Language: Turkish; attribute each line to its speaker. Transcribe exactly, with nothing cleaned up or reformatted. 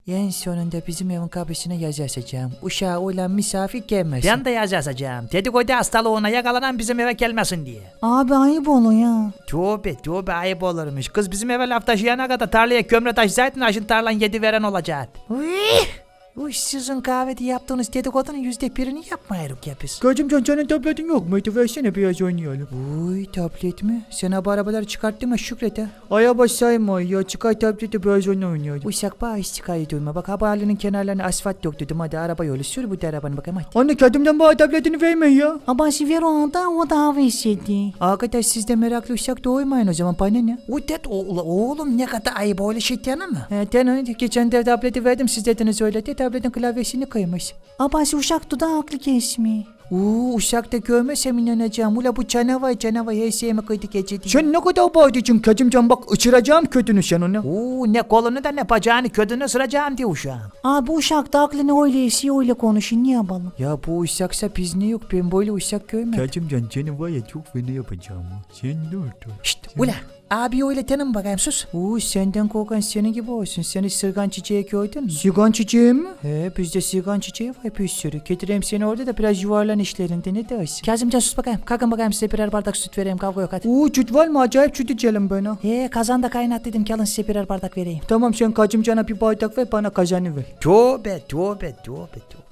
Speaker 1: En sonunda bizim evin kapısına yazı asacağım. Uşağı olan misafir gelmesin.
Speaker 2: Ben de yazı asacağım. Dedikodu hastalığına yakalanan bizim eve gelmesin diye.
Speaker 1: Abi ayıp olur ya.
Speaker 2: Tövbe tövbe ayıp olurmuş. Kız bizim eve laf taşıyana kadar tarlaya kömre taşısaydın aşın tarlan yedi veren olacak.
Speaker 1: Uy, uy sizin kahvede yaptığınız dedikodunun yüzde birini yapmayarık ya biz.
Speaker 3: Kacımcan senin tabletin yok muydu? Versene biraz oynayalım.
Speaker 1: Uy tablet mi? Sen bu arabaları çıkarttın mı Şükret ha?
Speaker 3: Aya basayma ya, çıkar tableti biraz oynayalım.
Speaker 1: Uşak bağ iş çıkar duyma. Bak haberlerin kenarlarına asfalt yok dedim. Hadi araba yolu sür bu da arabanı bakayım hadi.
Speaker 3: Anne kadımdan bana tabletini verme ya.
Speaker 1: Abası ver o anda o da hava istedi. Arkadaş siz de meraklı uşak doğurmayın o zaman bana ne?
Speaker 2: Udet oğlum ne kadar ayıp öyle şey diyene mi?
Speaker 1: He ten geçen de tableti verdim siz dediniz öyle de tabletin klavyesini kıymış. Abası uşak da haklı kesmi. Uuu uşak da görmesem inanacağım. Ula bu canavar canavar her şeyime kıydı gece diye.
Speaker 3: Sen ne kadar bağırdıcın Kacımcan, bak ıçıracağım kötünü sen onu.
Speaker 2: Oo ne kolunu da ne bacağını ködünü ısıracağım diye uşağım.
Speaker 1: Abi uşak da aklını öyle esiyor öyle konuşun ne yapalım? Ya bu uşaksa biz ne yok ben böyle uşak görmedim.
Speaker 3: Kacımcan seni var ya çok fena yapacağım. Sen ne oldu?
Speaker 2: Şşt ula abi öyle tanım bakayım sus.
Speaker 1: Uuu senden korkan senin gibi olsun. Sen hiç sırgan çiçeği gördün mü?
Speaker 3: Sigan çiçeği mi?
Speaker 1: He bizde sırgan çiçeği var bir sürü. Getireyim seni orada da biraz yuvarlan işlerinde ne dersin? Kazımcan sus bakayım. Kalkın bakayım size birer bardak süt vereyim kavga yok hadi.
Speaker 3: Uuu süt var mı? Acayip süt içelim bana.
Speaker 1: He kazanda kaynat dedim ki alın size birer bardak vereyim.
Speaker 3: Tamam sen Kacımcan'a bir bardak ver, bana kazanı ver.
Speaker 2: Tövbe tövbe tövbe tövbe.